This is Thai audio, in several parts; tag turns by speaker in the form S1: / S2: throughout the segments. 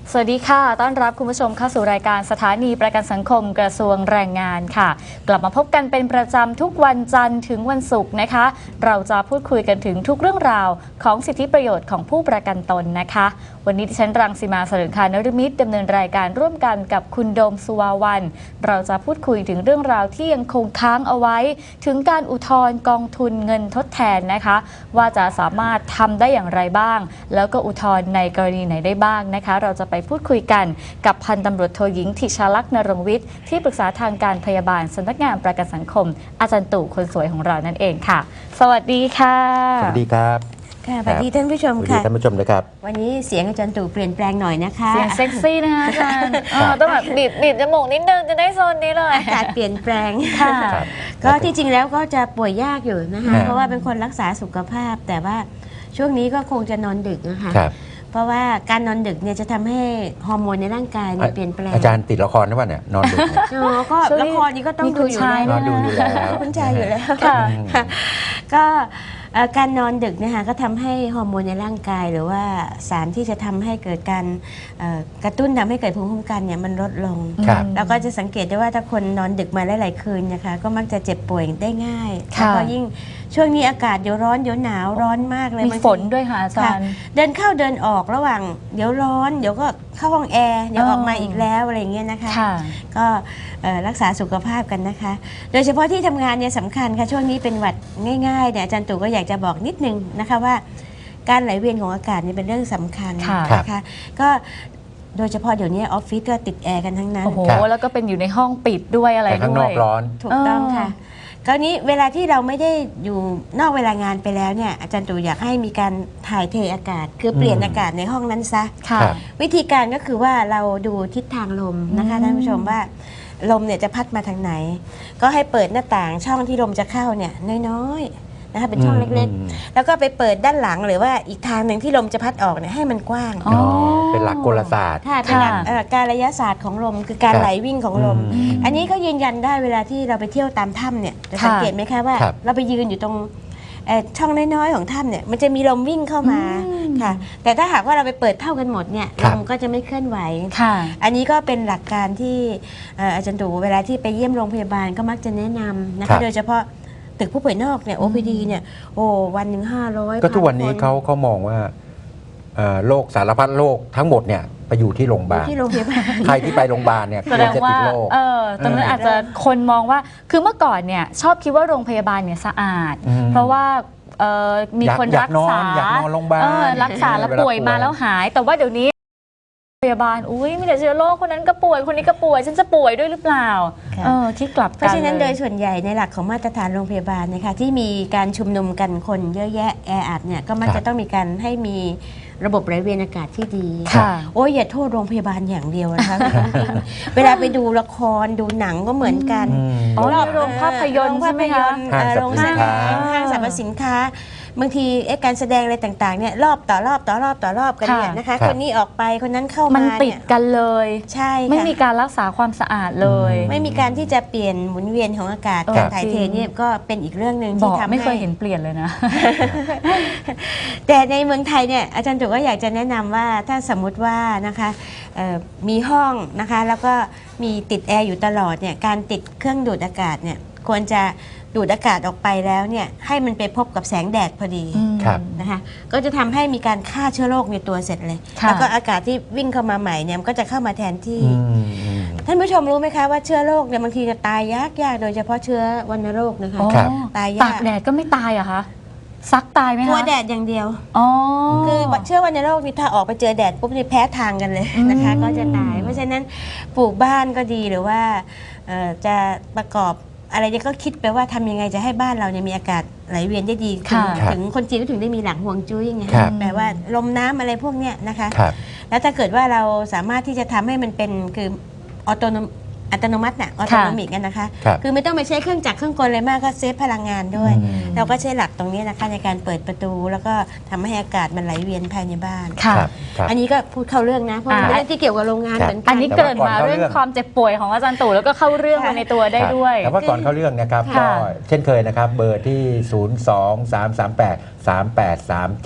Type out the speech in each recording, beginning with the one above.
S1: สวัสดีค่ะต้อนรับคุณผู้ชมเข้าสู่รายการสถานีประกันสังคมกระทรวงแรงงานค่ะกลับมาพบกันเป็นประจำทุกวันจันทร์ถึงวันศุกร์นะคะเราจะพูดคุยกันถึงทุกเรื่องราวของสิทธิประโยชน์ของผู้ประกันตนนะคะวันนี้ดิฉันรังสีมา สรึงคานฤมิตรดำเนินรายการร่วมกันกับคุณโดมสุวาวันเราจะพูดคุยถึงเรื่องราวที่ยังคงค้างเอาไว้ถึงการอุทธรณ์กองทุนเงินทดแทนนะคะว่าจะสามารถทำได้อย่างไรบ้างแล้วก็อุทธรณ์ในกรณีไหนได้บ้างนะคะเราจะไปพูดคุยกันกับพันตำรวจโทหญิงธิชาลักษณ์นรงค์วิทย์ที่ปรึกษาทางการพยาบาลสำนักงานประกันสังคมอาจารย์ตู่คนสวยของเรานั่นเองค่ะสวัสดีค่ะ
S2: สวัสดีครับ
S3: ค่ะสวัสดีท่านผู้ชมค่ะ
S2: สวัสดีท่านผู้ชมนะครับ
S3: วันนี้เสียงอาจารย์ตู่เปลี่ยนแปลงหน่อยนะคะ
S1: เสียงเซ็กซี่นะคะอาจารย์ต้องแบบบีบจมูกนิดนึงจะได้โซนนี้เลย
S3: อากาศเปลี่ยนแปลง
S1: ค่ะ
S3: ก็ที่จริงแล้วก็จะป่วยยากอยู่นะคะเพราะว่าเป็นคนรักษาสุขภาพแต่ว่าช่วงนี้ก็คงจะนอนดึกนะคะเพราะว่าการนอนดึกเนี่ยจะทำให้ฮอร์โมนในร่างกายเนี่ยเปลี่ยนแปลง
S2: อาจารย์ติดละครหรือเปล่าเนี่ยนอนดึก
S3: ก็ละครนี้ก็ต้องดูอยู่แล้ว
S2: นอนดูอยู่แล้ว
S3: คุณชายอยู่แล้วก็การนอนดึกนะคะก็ทำให้ฮอร์โมนในร่างกายหรือว่าสารที่จะทำให้เกิดการกระตุ้นทำให้เกิดภูมิคุ้มกันเนี่ยมันลดลงแล้วก็จะสังเกตได้ว่าถ้าคนนอนดึกมาหลายๆคืนนะคะก็มักจะเจ็บป่วยได้ง่ายแล้วก็ยิ่งช่วงนี้อากาศเดี๋ยวร้อนเดี๋ยวหนาวร้อนมากเลย
S1: มีฝนด้วยค่ะอาจารย์
S3: เดินเข้าเดินออกระหว่างเดี๋ยวร้อนเดี๋ยวก็เข้าห้องแอร์เดี๋ยวออกมาอีกแล้วอะไรเงี้ยนะคะก็รักษาสุขภาพกันนะคะโดยเฉพาะที่ทำงานเนี่ยสำคัญค่ะช่วงนี้เป็นหวัดง่ายๆเนี่ยอาจารย์ตู่ก็อยากจะบอกนิดนึงนะคะว่าการไหลเวียนของอากาศนี่เป็นเรื่องสำคัญนะคะก็โดยเฉพาะเดี๋ยวนี้ออฟฟิศก็ติดแอร์กันทั้งนั้น
S1: โอ้โหแล้วก็เป็นอยู่ในห้องปิดด้วยอะไรด้วย
S2: ข้างนอกร้อน
S3: ถูกต้องค่ะคราวนี้เวลาที่เราไม่ได้อยู่นอกเวลางานไปแล้วเนี่ยอาจารย์ตู่อยากให้มีการถ่ายเทอากาศคือเปลี่ยนอากาศในห้องนั้นซะวิธีการก็คือว่าเราดูทิศทางลมนะคะท่านผู้ชมว่าลมเนี่ยจะพัดมาทางไหนก็ให้เปิดหน้าต่างช่องที่ลมจะเข้าเนี่ยน้อยๆนะคะเป็นช่องเล็กๆแล้วก็ไปเปิดด้านหลังหรือว่าอีกทางหนึ่งที่ลมจะพัดออกเนี่ยให้มันกว้าง
S2: เป็นหลักกลศาสตร์
S3: เป็นหลักการระยะศาสตร์ของลมคือการไหลวิ่งของลมอันนี้ก็ยืนยันได้เวลาที่เราไปเที่ยวตามถ้ำเนี่ยจะสังเกตไหมคะว่าเราไปยืนอยู่ตรงช่องน้อยๆของถ้ำเนี่ยมันจะมีลมวิ่งเข้ามาค่ะแต่ถ้าหากว่าเราไปเปิดเท่ากันหมดเนี่ยลมก็จะไม่เคลื่อนไหวอันนี้ก็เป็นหลักการที่อาจารย์ตู่เวลาที่ไปเยี่ยมโรงพยาบาลก็มักจะแนะนำนะคะโดยเฉพาะตึกผู้ป่วยนอกเนี่ย OPD เนี่ยโอ้วันหนึ่ง500
S2: ก็ทุกวันนี้เขามองว่าโรคสารพัดโรคทั้งหมดเนี่ยไปอยู่ที่โรงพยาบาลใครที่ไปโรงพยาบาลเนี่ยควรจะติดโรค
S1: ตอนนั้นอาจจะคนมองว่าคือเมื่อก่อนเนี่ยชอบคิดว่าโรงพยาบาลเนี่ยสะอาดเพราะว่ามีคนรักษา
S2: อยากนอนโรงพยาบาล
S1: รักษาแล้วป่วยมาแล้วหายแต่ว่าเดี๋ยวนี้พยาบาลอุ้ยมีแต่เชื้อโรคคนนั้นก็ป่วยคนนี้ก็ป่วยฉันจะป่วยด้วยหรือเปล่าคิดกลับกัน
S3: เพราะฉะนั้นโดยส่วนใหญ่ในหลักของมาตรฐานโรงพยาบาลนะคะที่มีการชุมนุมกันคนเยอะแยะแออัดเนี่ยก็มักจะต้องมีการให้มีระบบไหลเวียนอากาศที่ดีโอ้ยอย่าโทษโรงพยาบาลอย่างเดียวนะคะเวลาไปดูละครดูหนังก็เหมือนกัน
S1: รอบโรงภาพยนตร์ใช่ไหมคะ
S3: โรงห้างสรรพสินค้าบางทีการแสดงอะไรต่างๆเนี่ยรอบต่อรอบกันเนี่ยนะคะคนนี้ออกไปคนนั้นเข้ามา
S1: มันติดกันเลย
S3: ใช่
S1: ไม่มีการรักษาความสะอาดเลย
S3: ไม่มีการที่จะเปลี่ยนหมุนเวียนของอากาศการถ่ายเทเนี่ยก็เป็นอีกเรื่องหนึ่งที่ทำให้
S1: ไม่เคยเห็นเปลี่ยนเลยนะ
S3: แต่ในเมืองไทยเนี่ยอาจารย์ตู่ก็อยากจะแนะนำว่าถ้าสมมุติว่านะคะมีห้องนะคะแล้วก็มีติดแอร์อยู่ตลอดเนี่ยการติดเครื่องดูดอากาศเนี่ยควรจะดูดอากาศออกไปแล้วเนี่ยให้มันไปพบกับแสงแดดพอดีนะคะก็จะทำให้มีการฆ่าเชื้อโรคในตัวเสร็จเลยแล้วก็อากาศที่วิ่งเข้ามาใหม่เนี่ยมันก็จะเข้ามาแทนที่ท่านผู้ชมรู้ไหมคะว่าเชื้อโรคเนี่ยบางทีจะตายยากโดยเฉพาะเชื้อวัณโรคนะคะ
S1: ตายยากตากแดดก็ไม่ตายเหรอคะซักตายไหมคะ
S3: กลัวแดดอย่างเดียวคือเชื้อวัณโรคนี่ถ้าออกไปเจอแดดปุ๊บนี่แพ้ทางกันเลยนะคะก็จะตายเพราะฉะนั้นปลูกบ้านก็ดีหรือว่าจะประกอบอะไรเนี่ยก็คิดไปว่าทำยังไงจะให้บ้านเราเนี่ยมีอากาศไหลเวียนได้ดีถึงคนจีนก็ถึงได้มีหลักฮวงจุ้ยไงแปลว่าลมน้ำอะไรพวกเนี้ยนะคะแล้วถ้าเกิดว่าเราสามารถที่จะทำให้มันเป็นคืออัตโนมัติน่ะออโตโนมิกกันนะคะคือไม่ต้องไปใช้เครื่องจักรเครื่องกลอะไรมากก็เซฟพลังงานด้วยเราก็ใช้หลักตรงนี้นะคะในการเปิดประตูแล้วก็ทำให้อากาศมันไหลเวียนภายในบ้านอันนี้ก็พูดเข้าเรื่องนะเพราะเป็นเรื่องที่เกี่ยวกับโรงงานเหมือนกัน
S1: อันนี้เกิดมาเรื่องความเจ็บป่วยของอาจารย์ตู่แล้วก็เข้าเรื่องมาในตัวได้ด้วย
S2: แต่ว่าก่อนเข้าเรื่องนะครับก็เช่นเคยนะครับเบอร์ที่ 023383837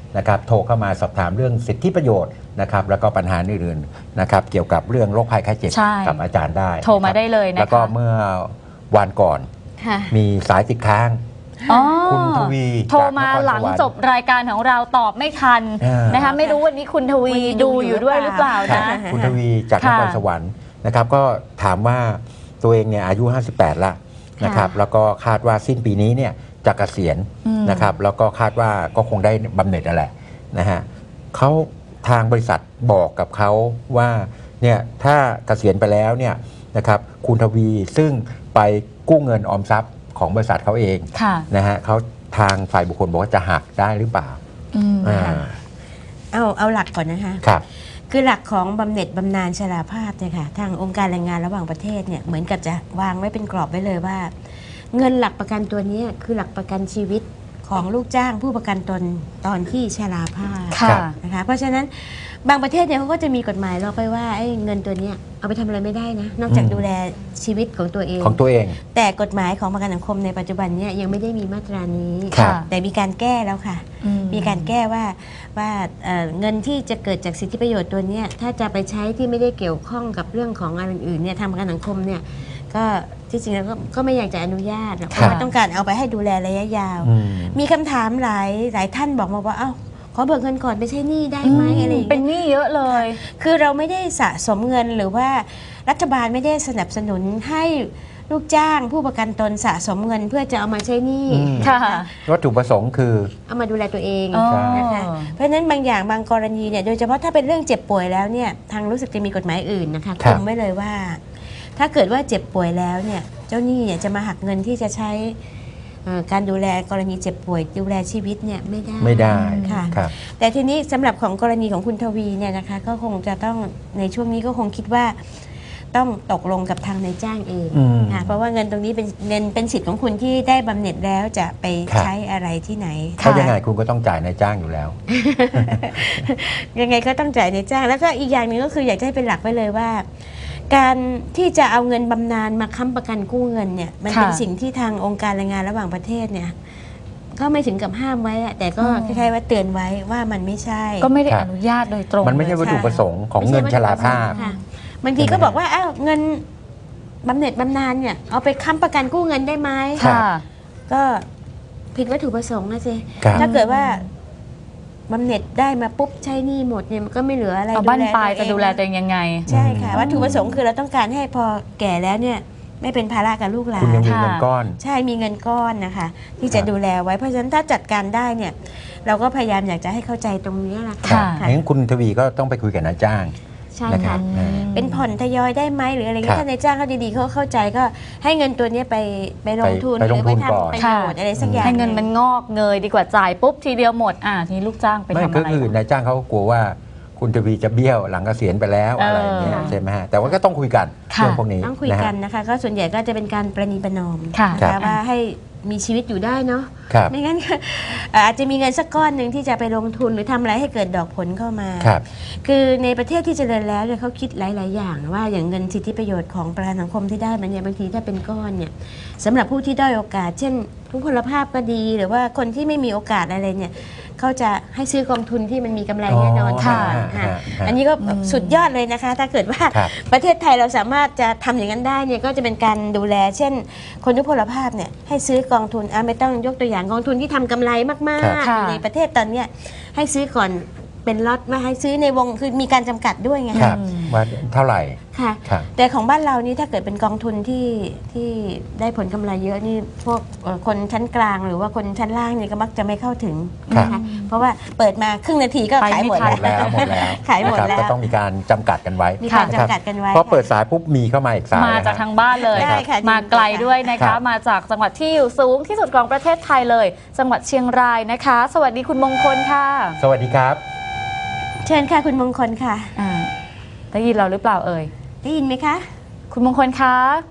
S2: นะครับโทรเข้ามาสอบถามเรื่องสิทธิประโยชน์นะครับแล้วก็ปัญหาอื่นๆนะครับเกี่ยวกับเรื่องโรคภัยไข้เจ็บ
S1: ใช่
S2: กับอาจารย์ได้
S1: โทรมาได้เลยนะคะ
S2: แล้วก็เมื่อวันก่อน
S3: ค่ะ
S2: มีสายติดค้าง
S1: อ๋อ
S2: คุณทวี
S1: โทรมา
S2: จากนครสวรรค์
S1: หลังจบรายการของเราตอบไม่ทัน นะคะไม่รู้วันนี้คุณทวี
S3: วันนี้
S1: ดูอยู่ด้วยหรือเปล่า
S2: ครับ
S1: นะ
S2: คุณทวีจากน
S1: ค่ะ
S2: ครสวรรค์นะครับก็ถามว่าตัวเองเนี่ยอายุ 58 ละนะครับแล้วก็คาดว่าสิ้นปีนี้เนี่ยจะเกษียณ
S1: อืม
S2: นะครับแล้วก็คาดว่าก็คงได้บำเหน็จนั่นแหละนะฮะเขาทางบริษัทบอกกับเขาว่าเนี่ยถ้าเกษียณไปแล้วเนี่ยนะครับคุณทวีซึ่งไปกู้เงินออมทรัพย์ของบริษัทเขาเอง
S1: ค่ะ
S2: นะฮะเขาทางฝ่ายบุคคลบอกว่าจะหักได้หรือเปล่า
S1: อืม
S2: อ่า
S3: เอาหลักก่อนนะคะ
S2: ครับ
S3: คือหลักของบำเหน็จบำนาญชราภาพเนี่ยค่ะทางองค์การแรงงานระหว่างประเทศเนี่ยเหมือนกับจะวางไว้เป็นกรอบไว้เลยว่า เงินหลักประกันตัวเนี้ยคือหลักประกันชีวิตของลูกจ้างผู้ประกันตนตอนที่ชราภาพ
S1: ค่ะ
S3: นะคะเพราะฉะนั้นบางประเทศเนี่ยเขาก็จะมีกฎหมายล็อกไว้ว่าไอ้เงินตัวเนี้ยเอาไปทำอะไรไม่ได้นะนอกจาก
S2: อืม
S3: ดูแลชีวิตของตัวเอง
S2: ของตัวเอง
S3: แต่กฎหมายของประกันสังคมในปัจจุบันเนี่ยยังไม่ได้มีมาตรานี้
S2: ครับ
S3: แต่มีการแก้แล้วค่ะ
S1: อืม
S3: มีการแก้ว่าเงินที่จะเกิดจากสิทธิประโยชน์ตัวเนี้ยถ้าจะไปใช้ที่ไม่ได้เกี่ยวข้องกับเรื่องของอะไรอื่นๆเนี่ยทางประกันสังคมเนี่ยก็ที่จริงแล้วก็ไม่อยากจะอนุญาตหรอกเพราะว่าต้องการเอาไปให้ดูแลระยะยาว
S2: อืม
S3: มีคำถามหลายท่านบอกมาว่าเอ้าขอเบิกเงินก่อนไปใช้หนี้ได้ไหมอะไรอย่าง
S1: เป็น
S3: เงี้ย
S1: หนี้เยอะเลย
S3: คือเราไม่ได้สะสมเงินหรือว่ารัฐบาลไม่ได้สนับสนุนให้ลูกจ้างผู้ประกันตนสะสมเงินเพื่อจะเอามาใช้หนี้
S2: อืม
S1: ค่ะ
S2: วัตถุประสงค์คือ
S3: เอามาดูแลตัวเอง
S1: อ๋อ
S3: นะคะเพราะฉะนั้นบางอย่างบางกรณีเนี่ยโดยเฉพาะถ้าเป็นเรื่องเจ็บป่วยแล้วเนี่ยทางรู้สึกจะมีกฎหมายอื่นนะคะ
S2: ครั
S3: คุ
S2: บ
S3: มไว้เลยว่า ถ้าเกิดว่าเจ็บป่วยแล้วเนี่ยเจ้าหนี้เนี่ยจะมาหักเงินที่จะใช้การดูแลกรณีเจ็บป่วยดูแลชีวิตเนี่ยไม่ได้
S2: ไม่ได้
S3: ค่ะ
S2: ครับ
S3: แต่ทีนี้สำหรับของกรณีของคุณทวีเนี่ยนะคะก็คงจะต้องในช่วงนี้ก็คงคิดว่าต้องตกลงกับทางนายจ้างเอง
S2: อืม
S3: ค่ะเพราะว่าเงินตรงนี้เป็นเงินเป็นสิทธิ์ของคุณที่ได้บำเหน็จแล้วจะไป
S2: ครับ
S3: ใช้อะไรที่ไหน
S2: เพราะยังไงคุณก็ต้องจ่ายนายจ้างอยู่แล้ว
S3: ยังไงก็ต้องจ่ายนายจ้าง แล้วก็อีกอย่างหนึ่งก็คืออยากจะให้เป็นหลักไว้เลยว่า การที่จะเอาเงินบำนาญมาค้ำประกันกู้เงินเนี่ยมันเป็น
S1: ค่ะ
S3: สิ่งที่ทางองค์การแรงงานระหว่างประเทศเนี่ยก็ไม่ถึงกับห้ามไว้อะแต่ก็
S1: อ๋อ
S3: คล้ายๆว่าเตือนไว้ว่ามันไม่ใช่
S1: ก็ไม่ได้
S2: ครับ
S1: อนุญาตโดยตรง
S2: มันไม่ใช่วัตถุประสงค์ของเงินชราภาพ
S3: ค่ะบางทีก็บอกว่าอ้าวเงินบำเหน็จบำนาญเนี่ยเอาไปค้ำประกันกู้เงินได้ไหม
S2: ครับ
S1: ค่ะ
S3: ก็ผิดวัตถุประสงค์นะสิ
S2: ครับ
S3: ถ้าเกิดว่าบำเหน็จได้มาปุ๊บใช้หนี้หมดเนี่ยมันก็ไม่เหลืออะไร
S1: เอาบ้าน
S3: แ
S1: ปลายจะ
S3: ตัวเอง
S1: ดูแลตัวเองยังไง
S3: ใช่ค่ะวัตถุประสงค์คือเราต้องการให้พอแก่แล้วเนี่ยไม่เป็นภาระกับลูกหลา
S2: คุณยัง
S3: น
S2: มีเงินก้อน
S3: ใช่มีเงินก้อนนะคะ ที่จะ
S2: ครับ
S3: ดูแลไว้เพราะฉะนั้นถ้าจัดการได้เนี่ยเราก็พยายามอยากจะให้เข้าใจตรงนี้แหละ
S1: ค่ะ
S3: ค่ะ
S2: งั้นคุณทวีก็ต้องไปคุยกับนายจ้าง
S3: ใช่
S2: นะครั
S3: ค่ะ
S2: บ
S3: เป็นผ่อนทยอยได้ไหมหรืออะไร
S2: ครั
S3: เงี้
S2: บ
S3: ยถ้านายจ้างเขาดีๆเขาเข้าใจก็ให้เงินตัวเนี้ยไปลงทุน
S2: ไปลงทุน
S3: หรือ
S2: ก่อน
S3: ไปทำประโยชน์อะไรสักอย่าง
S1: ให้เงินมันงอกเงยดีกว่าจ่ายปุ๊บทีเดียวหมดทีนี้ลูกจ้างไป
S2: ไม่
S1: ทำ
S2: ก็
S1: อะไร
S2: คือนายจ้างเขาก็กลัวว่าคุณทวีจะเบี้ยวหลังเกษียณไปแล้วอะไรอย่างเงี้ย
S3: ค่ะ
S2: ใช่ไหมฮะแต่ว่าก็ต้องคุยกัน
S1: ค่ะ
S2: เรื่องพวกนี้
S3: ต้องคุย
S2: นะ
S3: กั
S2: ฮะ
S3: นนะคะก็ส่วนใหญ่ก็จะเป็นการประนีประนอม
S1: ค่ะ
S3: นะ
S2: ครั
S3: คะ
S2: บ
S3: ว่าให้มีชีวิตอยู่ได้เนาะ
S2: ครับ
S3: ไม่งั้นก็อาจจะมีเงินสักก้อนหนึ่งที่จะไปลงทุนหรือทำอะไรให้เกิดดอกผลเข้ามา
S2: ครับ
S3: คือในประเทศที่เจริญแล้วเนี่ยเขาคิดหลาย ๆ อย่างว่าอย่างเงินสิทธิประโยชน์ของประกันสังคมที่ได้มันเนี่ยบางทีถ้าเป็นก้อนเนี่ยสำหรับผู้ที่ด้อยโอกาส เช่น ผู้พลภาพก็ดี หรือว่าคนที่ไม่มีโอกาสอะไรเนี่ยเขาจะให้ซื้อกองทุนที่มันมีกำไรแน่นอน
S1: ค่ะ
S3: ค่ะ
S2: ฮะ
S3: อันนี้ก็สุดยอดเลยนะคะ ถ้าเกิดว่า
S2: ครับ
S3: ประเทศไทยเราสามารถจะทำอย่างนั้นได้เนี่ยก็จะเป็นการดูแล เช่น คนทุพพลภาพเนี่ยให้ซื้อกองทุนไม่ต้องยกตัวอย่างกองทุนที่ทำกำไรมาก
S1: ค่ะ
S3: ๆในประเทศตอนเนี้ยให้ซื้อก่อนเป็นล็อตมาให้ซื้อในวงคือมีการจำกัดด้วยไง
S2: ครับว่าเท่าไหร่
S3: ค่ะ
S2: ครับ
S3: แต่ของบ้านเรานี่ถ้าเกิดเป็นกองทุนที่ได้ผลกำไรเยอะนี่พวกคนชั้นกลางหรือว่าคนชั้นล่างนี่ก็มักจะไม่เข้าถึง
S2: ครับ
S3: นะคะเพราะว่าเปิดมาครึ่งนาทีก็ขายหมด
S1: ไปไม่ทัน
S3: แล้ว
S2: หมดแล้ว
S3: ขายหมด
S2: นะครับ
S3: แล้ว
S2: ก็ต้องมีการจำกัดกันไว้
S3: มีการ
S2: นะครับ
S3: จำกัดกันไว้
S2: พอเปิดสายปุ๊บมีเข้ามาอีกสาย
S1: มาจาก
S2: นะฮะ
S1: ทางบ้านเลย
S3: ได้ค่ะ
S1: มาไกลด้วยนะ
S2: ครั
S1: คะ
S2: บ
S1: มาจากจังหวัดที่อยู่สูงที่สุดของประเทศไทยเลย จังหวัดเชียงรายนะคะ สวัสดีคุณมงคลค่ะ
S2: สวัสดีครับ
S3: เชิญค่ะคุณมงคลค่ะ
S1: ได้ยินเราหรือเปล่าเอ่ย
S3: ได้ยินไหมคะ
S1: คุณมงคลคะ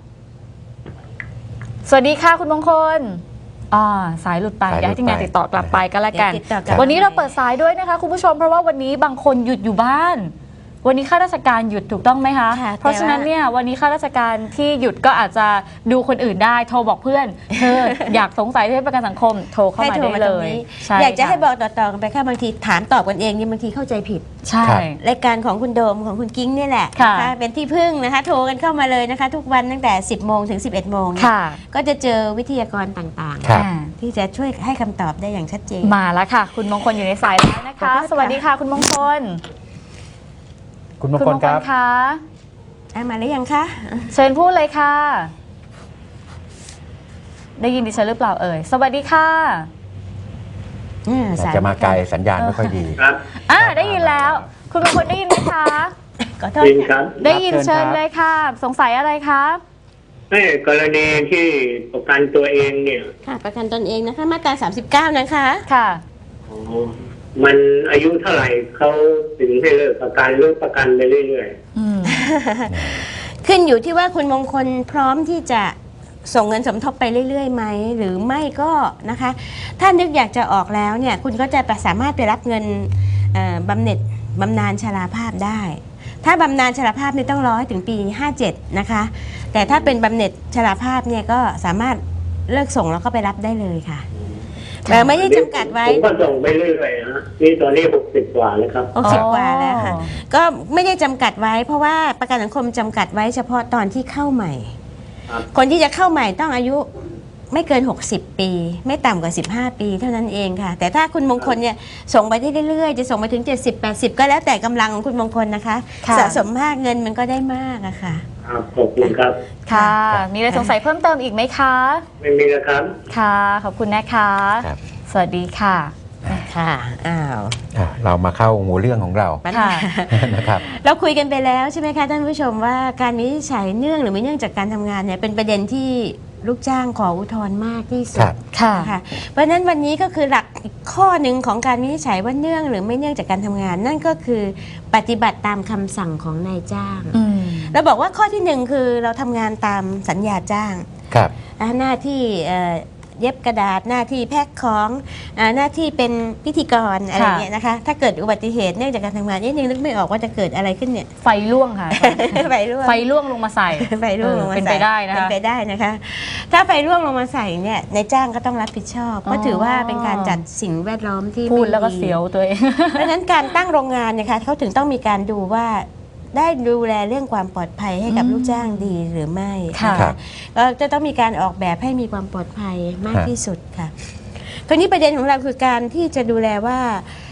S1: สวัสดีค่ะคุณมงคลสายหลุดไป
S2: สายหลุด
S1: เดี๋ยวให้ทีมงาน
S2: ไป
S1: ติดต่อกลับไปก็แล้วกัน
S3: เดี๋ยวติดต่อกลับ
S1: วันนี้เราเปิดสายด้วยนะคะคุณผู้ชมเพราะว่าวันนี้บางคนหยุดอยู่บ้านวันนี้ข้าราชการหยุดถูกต้องไหมคะ
S3: ค่ะ
S1: เพราะฉะนั้นเนี่ยวันนี้ข้าราชการที่หยุดก็อาจจะดูคนอื่นได้โทรบอกเพื่อนเธอ อยากสงสัยเรื่องประกันสังคมโทรเข้ามาได้เลยใช่
S3: อยากจะให้
S1: ค่
S3: บอกต่อๆกันไปค่ะบางทีถามตอบกันเองนี่บางทีเข้าใจผิด
S1: ใช่
S2: ครับ
S3: รายการของคุณโดมของคุณกิ้งนี่แหละ
S1: ค่ะ
S3: นเป็นที่พึ่งนะคะโทรกันเข้ามาเลยนะคะ ทุกวันตั้งแต่ 10 โมงถึง 11 โมง
S1: ค่ะ
S3: ก็จะเจอวิทยากรต่าง
S2: ครับ
S1: อ่า
S3: ๆ ที่จะช่วยให้คำตอบได้อย่างชัดเจน
S1: มาแล้วค่ะ คุณมงคลอยู่ในสายแล้วนะคะ
S3: ขอบคุณค่ะ
S1: สวัสดีค่ะ คุณมงคล
S2: คุณมงคลครับ
S1: คะ
S3: มาหรือยังคะ
S1: เชิญพูดเลยค่ะ ได้ยินดิฉันหรือเปล่าเอ่ยสวัสดีค่ะ
S3: สย
S2: จะมาไกลสัญญาณไม่ค่อยดี
S4: ครับ
S1: ได้ยินแล้ว คุณมงคลได้ยินไหมคะ
S3: ขอโทษ
S4: จริงค
S3: ค่ะ
S4: รับ
S1: ได้ยิน
S2: เชิ
S1: เชิ
S2: ญ
S1: ญ
S2: ครับ
S1: เลยค่ะ สงสัยอะไรคะ
S4: ให้กรณีที่ประกันตัวเองเนี่ย
S3: ค่ะประกันตนเองนะคะมาตรา 39 นะคะ
S1: ค่ะ
S4: อ๋อมันอายุเท่าไหร่เขาถึงให้เลิกประกันหรือประกันไปเรื่อย
S1: อืม
S3: ขึ้นอยู่ที่ว่าคุณมงคลพร้อมที่จะส่งเงินสมทบไปเรื่อยๆไหมหรือไม่ก็นะคะ ถ้านึกอยากจะออกแล้วเนี่ยคุณก็จะสามารถไปรับเงินบำเหน็จบำนาญชราภาพได้ ถ้าบำนาญชราภาพนี่ต้องรอให้ถึงปี 57 นะคะ แต่ถ้าเป็นบำเหน็จชราภาพเนี่ยก็สามารถเลิกส่งแล้วก็ไปรับได้เลยค่ะแต่ไม่ได้จำกัดไว้
S4: ผมก็ส่งไปเรื่อยๆฮะนี่ตอนนี้60 กว่าแล้วครับ
S3: 60 กว่าแล้วค่ะ ก็ไม่ได้จำกัดไว้ เพราะว่าประกันสังคมจำกัดไว้เฉพาะตอนที่เข้าใหม่
S4: ครับ
S3: คนที่จะเข้าใหม่ต้องอายุไม่เกิน 60 ปี ไม่ต่ำกว่า 15 ปีเท่านั้นเองค่ะ แต่ถ้าคุณมงคลเนี่ยส่งไปได้เรื่อยๆ จะส่งไปถึง 70-80 ก็แล้วแต่กำลังของคุณมงคลนะคะ
S1: ค่ะ
S3: สะสมมากเงินมันก็ได้มากอะค่ะ
S4: ครับขอบคุณครับ
S1: ค่ะ มีอะไรสงสัยเพิ่มเติมอีกไหมคะ
S4: ไม่มีแล้วครับ
S1: ค่ะ ขอบคุณนะคะ
S2: ครับ
S1: สวัสดีค่ะ
S3: ค่ะ อ้าว
S2: เรามาเข้าหัวเรื่องของเรา
S3: ปัญ
S1: ค่ะ
S3: หา
S2: นะครับ
S3: เราคุยกันไปแล้วใช่ไหมคะท่านผู้ชมว่าการวินิจฉัยเนื่องหรือไม่เนื่องจากการทำงานเนี่ยเป็นประเด็นที่ลูกจ้างขออุทธรณ์มากที่สุ
S2: ครั
S3: ด
S2: บ
S1: ค่ะ
S3: ค่ะเพราะฉะนั้นวันนี้ก็คือหลักอีกข้อหนึ่งของการวินิจฉัยว่าเนื่องหรือไม่เนื่องจากการทำงาน นั่นก็คือปฏิบัติตามคำสั่งของนายจ้าง
S1: อืม
S3: เราบอกว่าข้อที่หนึ่งคือเราทำงานตามสัญญาจ้าง
S2: ครับ
S3: หน้าที่เย็บกระดาษหน้าที่แพ็คของหน้าที่เป็นพิธีกรอะไรอย่างเงี้ยนะคะถ้าเกิดอุบัติเหตุเนื่องจากการทำงานนี่นึกไม่ออกว่าจะเกิดอะไรขึ้นเนี่ย
S1: ไฟล่วงค่ะ
S3: ไฟรั่ว
S1: ไฟล่วงลงมาใส่
S3: ไฟร่วงลงมา
S1: เป็น
S3: ใส่
S1: ไปได้นะ
S3: เป็น
S1: คะ
S3: ไปได้นะคะ ถ้าไฟร่วงลงมาใส่เนี่ยนายจ้างก็ต้องรับผิดชอบ เพราะถือว่าเป็นการจัดสิ่งแวดล้อมที่
S1: พูด
S3: ไม่
S1: แล้วก็เสียวตัวเอง
S3: เพราะฉะนั้นการตั้งโรงงานเนี่ยค่ะเขาถึงต้องมีการดูว่าได้ดูแลเรื่องความปลอดภัยให้กับ
S1: อืม
S3: ลูกจ้างดีหรือไม่
S1: ค่ะ
S3: นก็จะต้องมีการออกแบบให้มีความปลอดภัยมากที่สุดค่ะคราวนี้ประเด็นของเราคือการที่จะดูแลว่า